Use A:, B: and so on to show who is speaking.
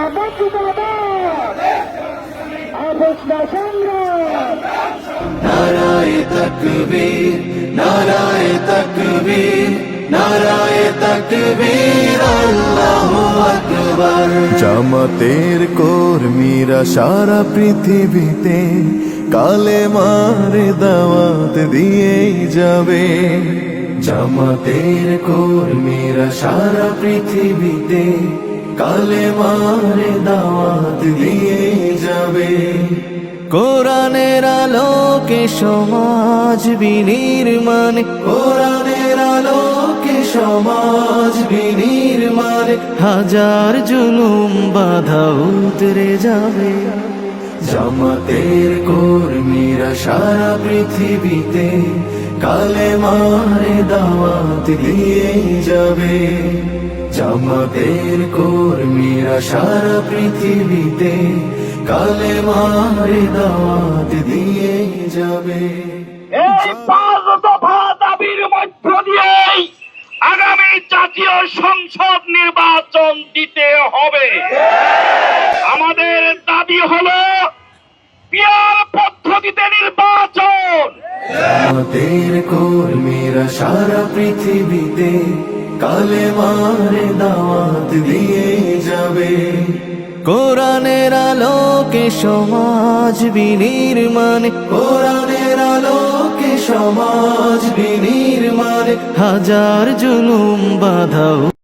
A: জিন্দাবাদ জিন্দাবাদ আপোষনা সংগ্রাম
B: নারায়ে তাকবীর নারায়ে তাকবীর নারায়ে তাকবীর আল্লাহু আকবার। জামাতের কর্মীরা সারা পৃথিবীতে কালেমার দাওয়াত দিয়েই যাবে। জামাতের কর্মীরা সারা পৃথিবীতে কালেমার দাওয়াত দিয়েই যাবে। কোরআনের আলোকে সমাজ বিনির্মাণ, কোরআনের আলোকে সমাজ বিনির্মাণ, হাজার জুলুম বাধা উতরে যাবে। জামাতের কর্মীরা সারা পৃথিবীতে কালেমার দাওয়াত দিয়ে যাবে। জামাতের কর্মীরা সারা পৃথিবীতে কালেমার দাওয়াত দিয়ে যাবে।
C: এই 5 দফা দাবির মধ্য দিয়েই আগামী জাতীয় সংসদ নির্বাচন দিতে হবে। আমাদের দাবি হলো পিয়ার পদ্ধতিতে নির্বাচন।
B: জামাতের কর্মীরা সারা পৃথিবীতে কালেমার দাওয়াত দিয়ে যাবে। কোরআনের আলোকে সমাজ বিনির্মাণ, কোরআনের আলোকে সমাজ বিনির্মাণ, হাজার জুলুম বাধা